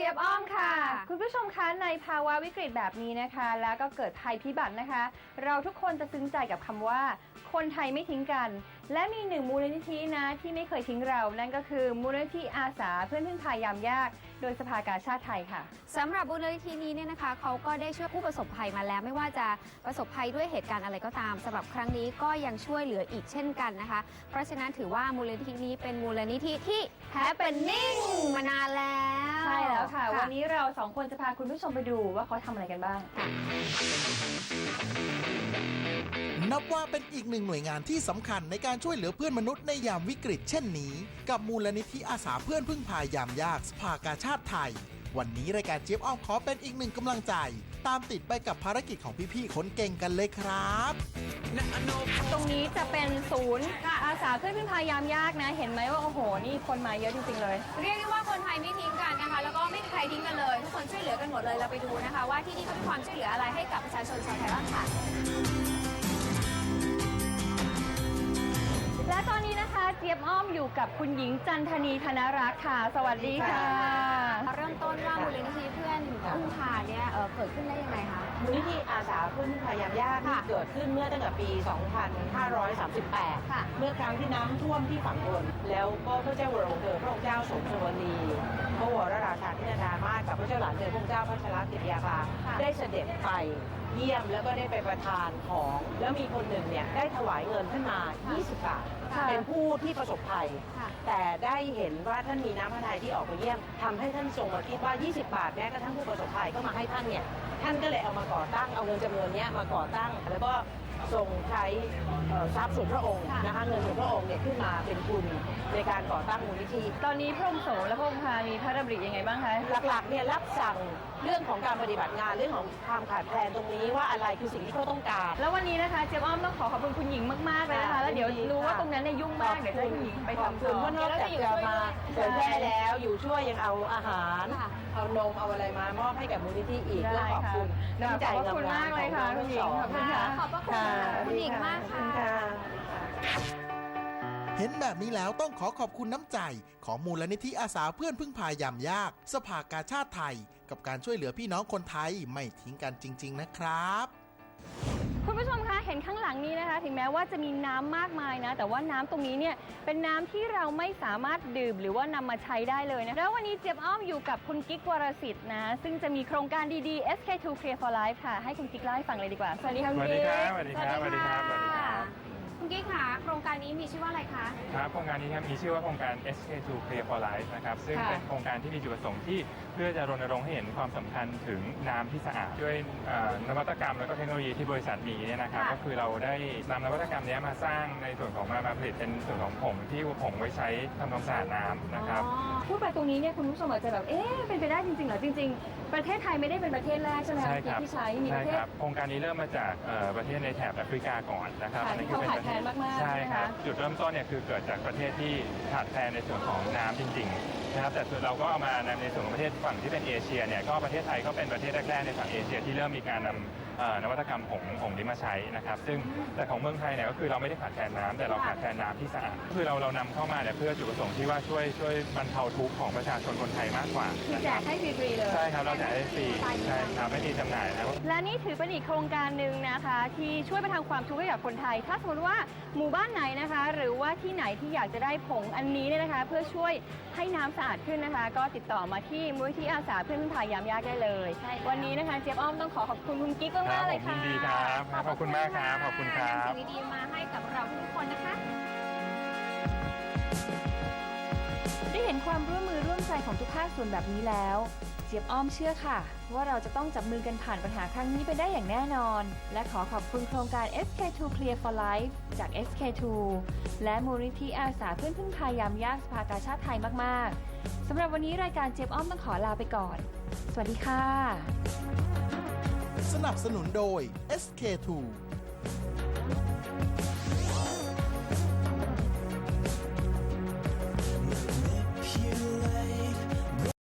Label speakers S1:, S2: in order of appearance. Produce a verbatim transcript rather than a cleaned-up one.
S1: จี๊ยบอ้อมค่ะคุณผู้ชมคะในภาวะวิกฤตแบบนี้นะคะแล้วก็เกิดภัยพิบัตินะคะเราทุกคนจะซึ้งใจกับคำว่าคนไทยไม่ทิ้งกันและมีหนึ่งมูลนิธินะที่ไม่เคยทิ้งเรานั่นก็คือมูลนิธิอาสาเพื่อนพึ่งพายามยากโดยสภากาชาดไทยค่ะ
S2: สำหรับมูลนิธินี้เนี่ยนะคะเขาก็ได้ช่วยผู้ประสบภัยมาแล้วไม่ว่าจะประสบภัยด้วยเหตุการณ์อะไรก็ตามสำหรับครั้งนี้ก็ยังช่วยเหลืออีกเช่นกันนะคะเพราะฉะนั้นถือว่ามูลนิธินี้เป็นมูลนิธิที่แฮปปี้นิ่งมานานแล้ว
S1: ใช่แล้วค่ะวันนี้เราสองคนจะพาคุณผู้ชมไปดูว่าเขาทำอะไรกันบ้าง
S3: นับว่าเป็นอีกหนึ่งหน่วยงานที่สำคัญในการช่วยเหลือเพื่อนมนุษย์ในยามวิกฤตเช่นนี้กับมูลนิธิอาสาเพื่อนพึ่งพายามยากสภากาชาดไทยวันนี้รายการเจี๊ยบอ้อมขอเป็นอีกหนึ่งกำลังใจตามติดไปกับภารกิจของพี่ๆคนเก่งกันเลยครับ
S1: ตรงนี้จะเป็นศูนย์อาสาเพื่อนพึ่งพายามยากนะเห็นไหมว่าโอ้โหนี่คนมาเยอะจริงๆเลย
S2: เรียกได้ว่าคนไทยไม่ทิ้งกันนะคะแล้วก็ไม่มีใครทิ้งกันเลยทุกคนช่วยเหลือกันหมดเลยเราไปดูนะคะว่าที่นี่เขามีความช่วยเหลืออะไรให้กับประชาชนชาวไทยบ้างค่ะ
S1: และตอนนี้นะคะเจี๊ยบอ้อมอยู่กับคุณหญิงจันทนีธนรักษ์ค่ะสวัสดีค่ะ
S2: เริ่มต้นว่ามูลนิธิเพื่อนพึ่งพาเนี่ยเเกิดขึ้นได้ยังไงคะ
S4: มูลนิธิอาสาเพื่อนพึ่งพายามยากที่เกิดขึ้นเมื่อตั้งแต่ปี สองพันห้าร้อยสามสิบแปด เมื่อครั้งที่น้ำท่วมที่ฝั่งทนแล้วก็พระเจ้าวรวงศ์เธอพระองค์เจ้าสมสวนีพระวรราชาธินดามาศกับพระเจ้าหลานเธอพระองค์เจ้าพัชรกิติยาภาได้เสด็จไปเยี่ยมแล้วก็ได้ไปประทานของแล้วมีคนหนึ่งเนี่ยได้ถวายเงินขึ้นมายี่สิบบาทเป็นผู้ที่ประสบภัยแต่ได้เห็นว่าท่านมีน้ำพระทัยที่ออกไปเยี่ยมทำให้ท่านทรงมาคิดว่ายี่สิบบาทแม้กระทั่งผู้ประสบภัยก็มาให้ท่านเนี่ยท่านก็เลยเอามาก่อตั้งเอาเงินจำนวนนี้มาก่อตั้งแล้วก็ทรงใช้ทรัพย์ส่วนพระองค์นะคะเงินส่วนพระองค์เนี่ยขึ้นมาเป็นทุนในการก่อตั้งมูลนิธิ
S1: ตอนนี้พระองค์โสมและพระองค์พามีพระดำริยังไงบ้างคะ
S4: หลักๆเนี่ยรับสั่งเรื่องของการปฏิบัติงานเรื่องของความขาดแคลนตรงนี้ว่าอะไรคือสิ่งที่เขาต้องการ
S1: แล้ววันนี้นะคะเจี๊ยบอ้อมต้องขอขอบคุณคุณหญิงมากๆเลยนะคะแล้วเดี๋ยวรู้ว่าตรงนั้นเนี่ยยุ่งมากเดี๋ยวจะให้คุณหญิงไปทำต่อ
S4: เพราะนอกจากจะมาเผยแพร่แล้วอยู่ช่วยยังเอาอาหารเอานมเอาอะไรมามอบให้กับมูลนิธิอีกเพื่อขอบคุณน้ำใจงามๆของน้องทั้งสอง
S2: ขอบคุณค่ะขอบพระคุณคุณหญิงมากค่ะ
S3: เห็นแบบนี้แล้วต้องขอขอบคุณน้ำใจของมูลนิธิอาสาเพื่อนพึ่งพายามยากสภากาชาดไทยกับการช่วยเหลือพี่น้องคนไทยไม่ทิ้งกันจริงๆนะครับ
S1: คุณผู้ชมคะเห็นข้างหลังนี้นะคะถึงแม้ว่าจะมีน้ำมากมายนะแต่ว่าน้ำตรงนี้เนี่ยเป็นน้ำที่เราไม่สามารถดื่มหรือว่านำมาใช้ได้เลยนะแล้ววันนี้เจี๊ยบอ้อมอยู่กับคุณกิ๊กวรสิทธิ์นะซึ่งจะมีโครงการดีๆ เอส เค ทู Clear for Life ค่ะให้คุณกิ๊กเล่าให้ฟังเลยดีกว่าสวัสดีค่ะคุณกิ๊ก
S5: สวัสดีครับสวัสดีครับสวัสดีครับ
S2: คุณกิ๊กค่ะโครงการนี้มีชื่อว่าอะไรคะ
S5: ครับโครงการนี้ครับมีชื่อว่าโครงการ เอส เค ทู Clear for Life นะครับซึ่งเป็นโครงการที่มีจุดประสงค์ที่เพื่อจะรณรงค์ให้เห็นความสำคัญถึงน้ำที่สะอาดด้วยนวัตกรรมและก็เทคโนโลยีที่บริษัทมีเนี่ยนะครับก็คือเราได้นำนวัตกรรมนี้มาสร้างในส่วนของมาผลิตเป็นส่วนของผงที่ผงไว้ใช้ทำความสะอาดน้ำนะครับ
S1: พูดไปตรงนี้เนี่ยคุณผู้ชมอาจจะแบบเอ๊ะเป็นไปได้จริงๆเหรอจริงๆประเทศไทยไม่ได้เป็นประเทศแรกใช่ไหมครับที่ใช้มีประเทศ
S5: โครงการนี้เริ่มมาจากประเทศในแถบแอฟริกาก่อนนะครับ
S1: อันนี้คือเป็นประเทศ
S5: ใช่ครับจุดเริ่มต้นเนี่ยคือเกิดจากประเทศที่ขาดแคลนในส่วนของน้ำจริงๆนะครับแต่เราก็เอามาในส่วนของประเทศฝั่งที่เป็นเอเชียเนี่ยก็ประเทศไทยก็เป็นประเทศแรกๆในฝั่งเอเชียที่เริ่มมีการนำนวัตกรรมผงผงนี้มาใช้นะครับซึ่งแต่ของเมืองไทยเนี่ยก็คือเราไม่ได้ขาดแคลนน้ำแต่เราขาดแคลนน้ำที่สะอาดคือเราเรานำเข้ามาเนี่ยเพื่อจุดประสงค์ที่ว่าช่วยช่วยบรรเทาทุกข์ของประชาชนคนไทยมากกว่า
S1: คือแจกให้ฟรีๆเลย
S5: ใช่ครับเราแจกให้ฟรีใช่ครับไม่มีจำหน่ายนะครับ
S1: และนี่ถือเป็นอีกโครงการหนึ่งนะคะที่ช่วยบรรเทาความทุกข์ให้กับคนไทยถ้าสมมติว่าหมู่บ้านไหนนะคะหรือว่าที่ไหนที่อยากจะได้ผงอันนี้เนี่ยนะคะเพื่อช่วยให้น้ำสะอาดขึ้นนะคะก็ติดต่อมาที่มูลนิธิอาสาเพื่อนพึ่งพายามยากได้เลยวันนี้นะคะเจี๊ยบอ้อมต้องขอขอบคุณคุณกิ๊กมากๆเลยค่ะ
S5: ยินดีครับขอบคุณมากครับขอบคุณครับ
S2: สิ่งดีๆมาให้กับเราทุกคนนะคะ
S1: ได้เห็นความร่วมมือร่วมใจของทุกภาคส่วนแบบนี้แล้วเจี๊ยบอ้อมเชื่อค่ะว่าเราจะต้องจับมือกันผ่านปัญหาครั้งนี้ไปได้อย่างแน่นอนและขอขอบคุณโครงการ เอส เค ทู Clear for Life จาก เอส เค ทู และมูลนิธิอาสาเพื่อนพึ่งพายามยากสภากาชาดไทยมากๆสำหรับวันนี้รายการเจี๊ยบอ้อมต้องขอลาไปก่อนสวัสดีค่ะ
S3: สนับสนุนโดย เอส เค ทู